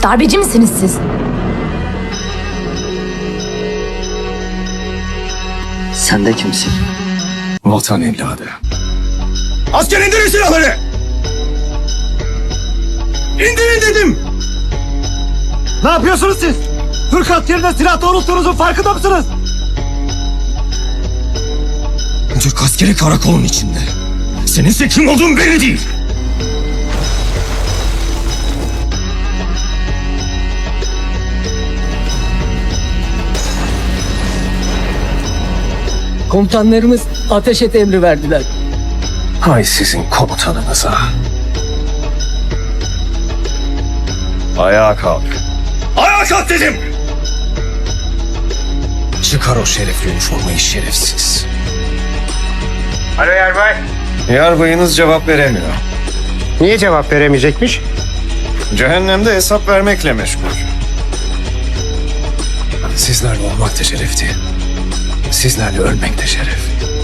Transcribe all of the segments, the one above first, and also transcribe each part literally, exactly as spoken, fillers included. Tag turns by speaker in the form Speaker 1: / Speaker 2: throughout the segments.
Speaker 1: Darbeci misiniz siz?
Speaker 2: Sen de kimsin?
Speaker 3: Vatan evladı. Asker indirin silahları! İndirin dedim!
Speaker 4: Ne yapıyorsunuz siz? Türk askerine silah doğrulttuğunuzun farkında mısınız?
Speaker 3: Türk askeri karakolun içinde. Seninse kim olduğun belli değil.
Speaker 2: Komutanlarımız ateş et emri verdiler.
Speaker 3: Hay sizin komutanınıza. Ayağa kalk. Ayağa kalk dedim! Çıkar o şerefli üniformayı şerefsiz.
Speaker 5: Alo Yarbay.
Speaker 3: Yarbayınız cevap veremiyor.
Speaker 5: Niye cevap veremeyecekmiş?
Speaker 3: Cehennemde hesap vermekle meşgul. Sizlerle olmak da şerefti. Sizlerle ölmek de şeref.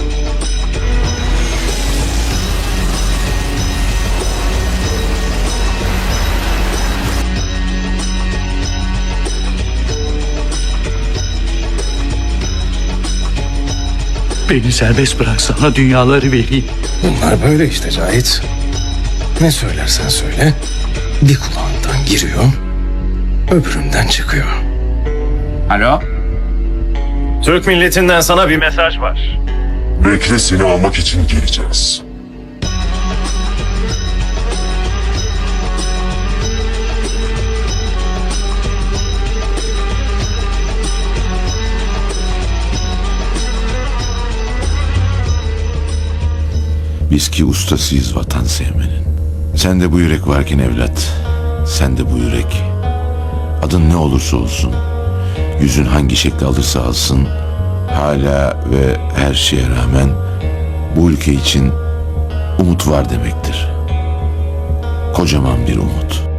Speaker 6: Beni serbest bırak, sana dünyaları vereyim.
Speaker 3: Bunlar böyle işte Cahit. Ne söylersen söyle, bir kulağından giriyor, öbüründen çıkıyor.
Speaker 5: Alo.
Speaker 3: Türk milletinden sana bir mesaj var.
Speaker 7: Bekle, seni almak için geleceğiz.
Speaker 8: Biz ki ustasıyız vatan sevmenin. Sen de bu yürek varken evlat, sen de bu yürek. Adın ne olursa olsun, yüzün hangi şekli alırsa alsın, hala ve her şeye rağmen bu ülke için umut var demektir. Kocaman bir umut.